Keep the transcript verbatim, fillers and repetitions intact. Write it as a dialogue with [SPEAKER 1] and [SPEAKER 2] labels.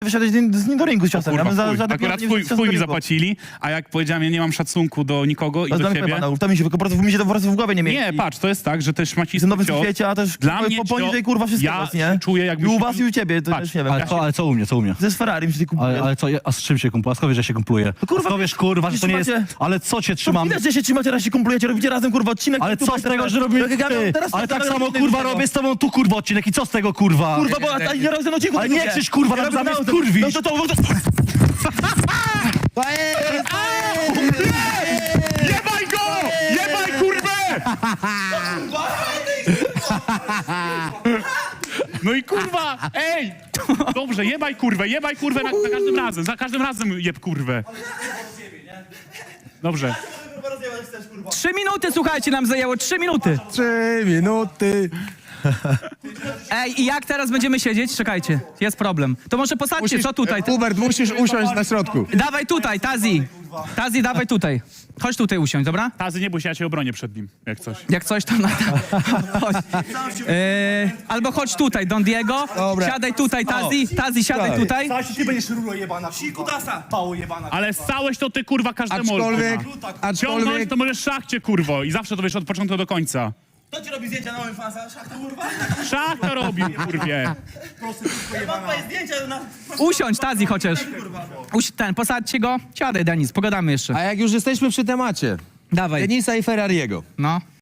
[SPEAKER 1] wyszedłeś z nim do ringu z ciosem.
[SPEAKER 2] Kurwa,
[SPEAKER 1] Ja bym za,
[SPEAKER 2] chuj.
[SPEAKER 1] żaden
[SPEAKER 2] Akurat
[SPEAKER 1] nie
[SPEAKER 2] chuj,
[SPEAKER 1] wyszedł
[SPEAKER 2] chuj
[SPEAKER 1] do
[SPEAKER 2] mi
[SPEAKER 1] ringu.
[SPEAKER 2] zapłacili, a jak powiedziałem, ja nie mam szacunku do nikogo i
[SPEAKER 1] To
[SPEAKER 2] do
[SPEAKER 1] jest
[SPEAKER 2] ciebie...
[SPEAKER 1] banów, to mi się po prostu, mi się to po prostu w głowie nie mieści.
[SPEAKER 2] Nie, patrz, to jest tak, że też macisty
[SPEAKER 1] Jestem nowym
[SPEAKER 2] cios...
[SPEAKER 1] świecie, a też
[SPEAKER 2] Dla
[SPEAKER 1] po-
[SPEAKER 2] mnie
[SPEAKER 1] po, poniżej
[SPEAKER 2] cio-
[SPEAKER 1] kurwa wszystkiego,
[SPEAKER 2] ja
[SPEAKER 1] nie?
[SPEAKER 2] się czuję, jakby
[SPEAKER 1] I u
[SPEAKER 2] się-
[SPEAKER 1] was i u ciebie, to
[SPEAKER 2] Patrz,
[SPEAKER 1] też nie wiem.
[SPEAKER 3] Ale co, ale co u mnie, co u mnie?
[SPEAKER 1] Ze z Ferrari się kupuje.
[SPEAKER 3] Ale, ale co, a z czym się kumpluje? A skąd wiesz, że się kumpluje?
[SPEAKER 1] No kurwa,
[SPEAKER 3] A skąd wiesz, kurwa, że to nie jest...
[SPEAKER 1] trzymacie-
[SPEAKER 3] Ale co cię
[SPEAKER 1] To
[SPEAKER 3] trzymam?
[SPEAKER 1] widać, że się trzymacie, raz się kumplujecie, robicie razem kurwa odcinek.
[SPEAKER 3] Ale
[SPEAKER 1] tutaj
[SPEAKER 3] co z
[SPEAKER 1] teraz-
[SPEAKER 3] tego, że robimy
[SPEAKER 1] Jak ja miałem
[SPEAKER 3] ty?
[SPEAKER 1] teraz-
[SPEAKER 3] Ale tak
[SPEAKER 1] teraz
[SPEAKER 3] samo
[SPEAKER 1] robię
[SPEAKER 3] kurwa
[SPEAKER 1] tego.
[SPEAKER 3] robię z tobą tu kurwa odcinek i co z tego kurwa?
[SPEAKER 1] Kurwa, bo a nie razem odcinku.
[SPEAKER 3] Ale nie krzyż, kurwa,
[SPEAKER 1] Ja
[SPEAKER 3] na- zamiast
[SPEAKER 1] robię-
[SPEAKER 3] kurwić.
[SPEAKER 1] No to to... no to-
[SPEAKER 2] Jebaj go! Jebaj kurwę! No i kurwa, ej! Dobrze, jebaj kurwę, jebaj kurwę na, za każdym razem, za każdym razem jeb kurwę. Dobrze.
[SPEAKER 4] Trzy minuty, słuchajcie, nam zajęło trzy minuty.
[SPEAKER 5] Trzy minuty.
[SPEAKER 4] Ej, i jak teraz będziemy siedzieć? Czekajcie, jest problem. To może posadźcie, co tutaj?
[SPEAKER 5] Hubert, musisz usiąść na środku.
[SPEAKER 4] Dawaj tutaj, Tazi. Tazi, dawaj tutaj. Chodź tutaj usiądź, dobra?
[SPEAKER 2] Tazy, nie bój się, ja cię obronię przed nim, jak coś.
[SPEAKER 4] Jak coś tam... Na... Chodź. E, albo chodź tutaj, Don Diego.
[SPEAKER 5] Dobra.
[SPEAKER 4] Siadaj tutaj, Tazi. Tazi, siadaj
[SPEAKER 5] Tak.
[SPEAKER 4] tutaj.
[SPEAKER 6] Stasiu, ty będziesz rulo jebana, kurwa. Pało jebana.
[SPEAKER 2] Ale ssałeś to ty kurwa każdemu.
[SPEAKER 5] Aczkolwiek,
[SPEAKER 2] kurwa.
[SPEAKER 5] aczkolwiek,
[SPEAKER 2] Ciągnąć to możesz szachcie kurwo i zawsze to wiesz od początku do końca.
[SPEAKER 6] Kto ci robi zdjęcia na moim fansa? Szachta, kurwa?
[SPEAKER 2] Szach to robił, kurwie.
[SPEAKER 6] Prostytutko jebana. Mam twoje zdjęcia na...
[SPEAKER 4] Usiądź, Tazi, chociaż. Uś, ten, posadźcie go. Siadaj, Denis, pogadamy jeszcze.
[SPEAKER 5] a jak już jesteśmy przy temacie,
[SPEAKER 4] Dawaj.
[SPEAKER 5] Denisa i Ferrariego.
[SPEAKER 4] No.